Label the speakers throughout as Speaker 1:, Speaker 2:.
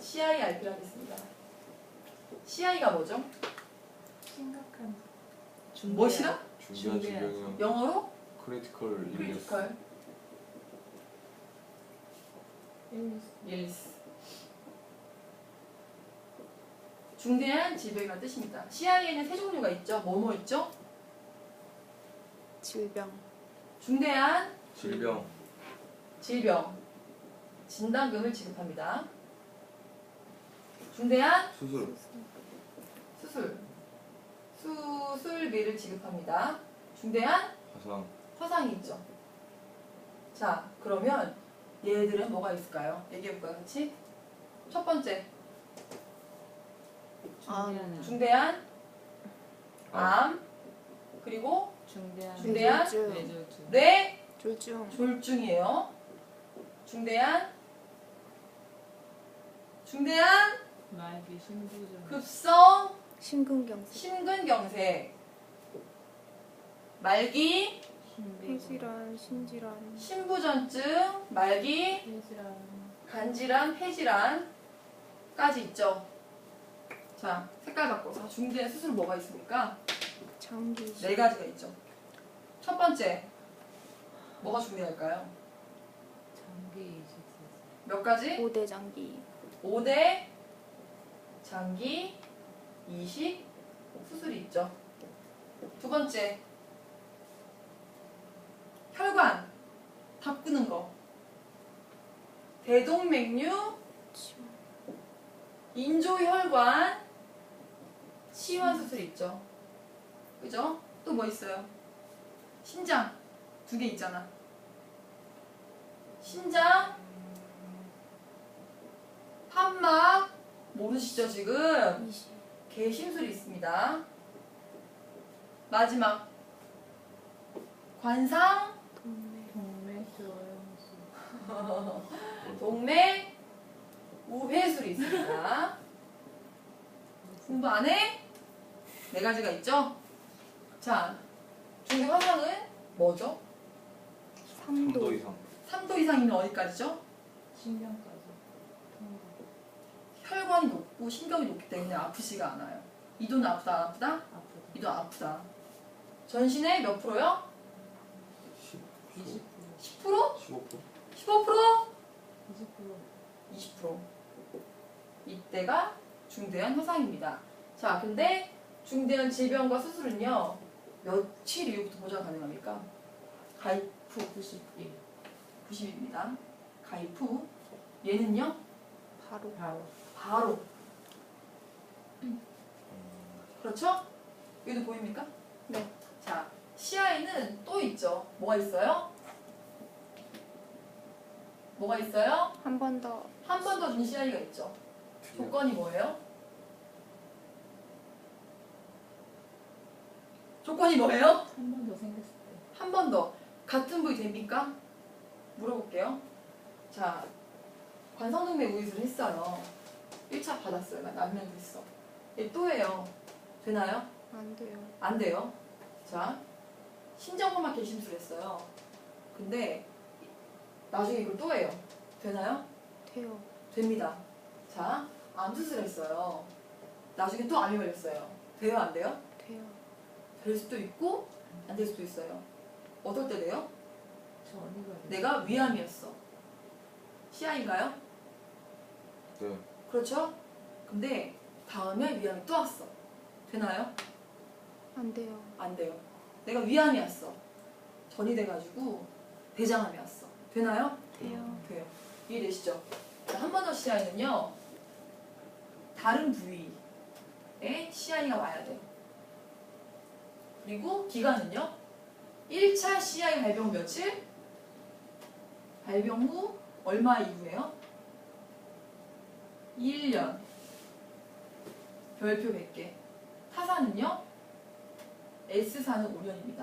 Speaker 1: CIRP를 하겠습니다. CI가 뭐죠?
Speaker 2: 심각한
Speaker 1: 무엇이라?
Speaker 3: 중대한 질병이요.
Speaker 1: 영어로?
Speaker 3: 크리티컬 일리스.
Speaker 1: 크리티컬 일리스. 중대한 질병이라는 뜻입니다. CI에는 세 종류가 있죠. 뭐뭐 있죠?
Speaker 4: 질병,
Speaker 1: 중대한
Speaker 3: 질병.
Speaker 1: 질병 진단금을 지급합니다. 중대한
Speaker 3: 수술.
Speaker 1: 수술비를 지급합니다. 중대한
Speaker 3: 화상.
Speaker 1: 화상이 있죠. 자, 그러면 얘들은 뭐가 있을까요? 얘기해볼까요, 같이? 첫 번째, 중대한 암, 그리고 중대한
Speaker 4: 뇌졸중,
Speaker 1: 뇌
Speaker 4: 졸중,
Speaker 1: 졸중이에요. 중대한
Speaker 2: 말기 신부전
Speaker 1: 급성
Speaker 4: 심근경색,
Speaker 1: 심근경색, 말기
Speaker 4: 폐질환, 신질환,
Speaker 1: 신부전증, 말기
Speaker 2: 폐질환
Speaker 1: 간질환, 폐질환까지 있죠. 자, 색깔 바꿔서 중대한 수술 뭐가 있습니까?
Speaker 4: 장기 이식,
Speaker 1: 네 가지가 있죠. 첫 번째, 뭐가 중대할까요?
Speaker 2: 장기 이식
Speaker 1: 몇 가지?
Speaker 4: 고대 장기,
Speaker 1: 5대 장기 이식 수술이 있죠. 두 번째, 혈관 바꾸는 거, 대동맥류
Speaker 4: 치원,
Speaker 1: 인조혈관 치환 수술이 있죠. 그죠? 또 뭐 있어요? 신장 2개 있잖아. 신장 판막 모르시죠 지금?
Speaker 4: 이식,
Speaker 1: 개심술이 있습니다. 마지막 관상
Speaker 4: 동맥,
Speaker 2: 동맥
Speaker 1: 동맥 우회술이 있습니다. 공부 안 해? 네 가지가 있죠? 자, 중대 화상은 뭐죠?
Speaker 3: 3도
Speaker 4: 3도,
Speaker 3: 이상.
Speaker 1: 3도 이상이면 어디까지죠?
Speaker 2: 신경까지 통과
Speaker 1: 혈관이 높고 신경이 높기 때문에 아프지가 않아요. 이도는 아프다, 안 아프다?
Speaker 2: 아프다
Speaker 1: 이도 아프다. 전신의 몇 프로요?
Speaker 2: 20%
Speaker 1: 10%?
Speaker 3: 15%?
Speaker 1: 15%?
Speaker 2: 20%
Speaker 1: 20%. 이때가 중대한 화상입니다. 자, 근데 중대한 질병과 수술은요, 며칠 이후부터 보장 가능합니까? 가입 후
Speaker 2: 91
Speaker 1: 90일입니다. 가입 후 얘는요,
Speaker 4: 바로,
Speaker 1: 바로. 그렇죠? 여기도 보입니까?
Speaker 4: 네,
Speaker 1: 자, CI는 또 있죠. 뭐가 있어요? 뭐가 있어요?
Speaker 4: 한 번 더,
Speaker 1: 한 번 더 준 CI가 있죠. 조건이 뭐예요? 조건이 뭐예요?
Speaker 2: 한 번 더 생겼을 때
Speaker 1: 한 번 더. 같은 부위 됩니까? 물어볼게요. 자, 관성동맥 우이술을 했어요. 1차 받았어요. 남면도 했어. 얘 또 해요. 되나요?
Speaker 4: 안 돼요,
Speaker 1: 안 돼요. 자, 신장호막 개심술 했어요. 근데 나중에 이걸 또 해요. 되나요?
Speaker 4: 돼요,
Speaker 1: 됩니다. 자, 암 수술했어요. 나중에 또 암이 걸렸어요. 돼요, 안 돼요?
Speaker 4: 돼요,
Speaker 1: 될 수도 있고 안 될 수도 있어요. 어떨 때 돼요?
Speaker 2: 전이가
Speaker 1: 내가 위암이었어. CI인가요?
Speaker 3: 네.
Speaker 1: 그렇죠? 근데 다음에 위암이 또 왔어. 되나요?
Speaker 4: 안 돼요,
Speaker 1: 안 돼요. 내가 위암이었어. 전이 돼가지고 대장암이 왔어. 되나요?
Speaker 4: 돼요,
Speaker 1: 돼요. 이해되시죠? 한 번 더 CI는요, 다른 부위에 CI가 와야 돼요. 그리고 기간은요, 1차 CI 발병 후 며칠? 발병 후 얼마 이후에요? 1년. 별표 100개. 타사는요, S사는 5년입니다.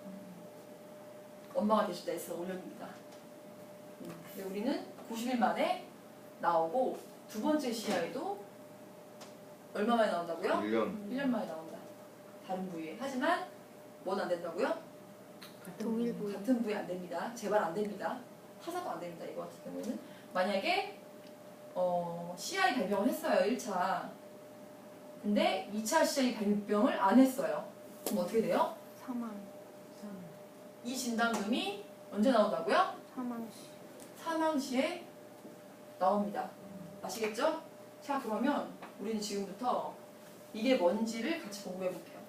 Speaker 1: 엄마가 계실 때 S가 5년입니다. 근데 우리는 90일 만에 나오고, 두 번째 CI도 얼마 만에 나온다고요?
Speaker 3: 1년.
Speaker 1: 1년 만에 나온다. 다른 부위에. 하지만 뭔 안 된다고요?
Speaker 4: 동일 부위,
Speaker 1: 같은 부위 안 됩니다. 제발 안 됩니다. 타사도 안 됩니다. 이거 같은 경우는. 만약에 CI 발병을 했어요. 1차. 근데 2차 CI 발병을 안 했어요. 그럼 어떻게 돼요?
Speaker 4: 사망.
Speaker 1: 이 진단금이 언제 나온다고요?
Speaker 4: 사망 시.
Speaker 1: 사망 시에 나옵니다. 아시겠죠? 자, 그러면 우리는 지금부터 이게 뭔지를 같이 공부해 볼게요.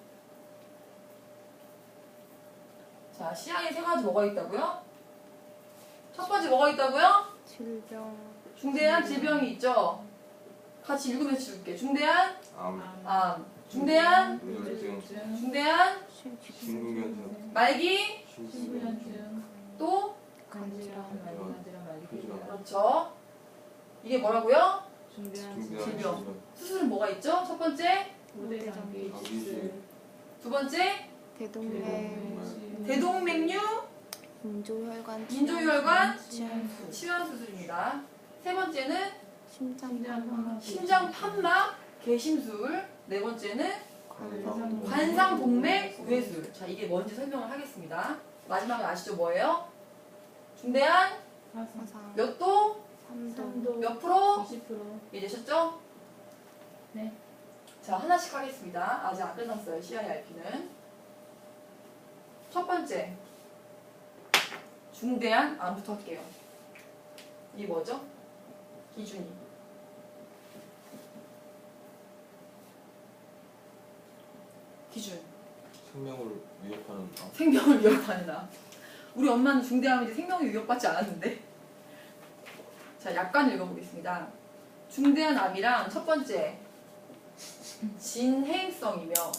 Speaker 1: 자, CI에 세 가지 뭐가 있다고요? 첫 번째 뭐가 있다고요?
Speaker 4: 질병.
Speaker 1: 중대한 질병이 있죠? 같이 읽으면서 줄게. 중대한 암, 중대한
Speaker 3: 우울증,
Speaker 1: 중대한
Speaker 3: 심근경색,
Speaker 1: 말기
Speaker 2: 신부연증,
Speaker 1: 또
Speaker 2: 간질환, 말기간질환, 말기부전,
Speaker 1: 그렇죠. 이게 뭐라고요?
Speaker 2: 중대한
Speaker 3: 중대한
Speaker 1: 질병.
Speaker 3: 질병,
Speaker 1: 수술은 뭐가 있죠? 첫 번째,
Speaker 2: 우대장기,
Speaker 3: 장기질,
Speaker 1: 두 번째,
Speaker 4: 대동맥.
Speaker 1: 대동맥류
Speaker 4: 인조혈관.
Speaker 1: 인조혈관
Speaker 4: 치환수.
Speaker 1: 치환 수술입니다. 세 번째는
Speaker 4: 심장 판막.
Speaker 1: 심장 판막 개심술. 네 번째는
Speaker 3: 관상,
Speaker 1: 관상동맥 우회술. 자, 이게 뭔지 설명을 하겠습니다. 마지막에 아시죠? 뭐예요? 중대한
Speaker 4: 화상.
Speaker 1: 몇 도?
Speaker 4: 3도.
Speaker 1: 몇 프로?
Speaker 2: 20%.
Speaker 1: 이해되셨죠?
Speaker 2: 네.
Speaker 1: 자, 하나씩 하겠습니다. 아직 안 끝났어요. CIRP는. 첫 번째, 중대한 암부터 할게요. 이게 뭐죠? 기준이. 기준.
Speaker 3: 생명을 위협하는 암,
Speaker 1: 생명을 위협하는 암. 우리 엄마는 중대암인데 생명이 위협받지 않았는데. 자, 약간 읽어보겠습니다. 중대한 암이랑 첫 번째, 진행성이며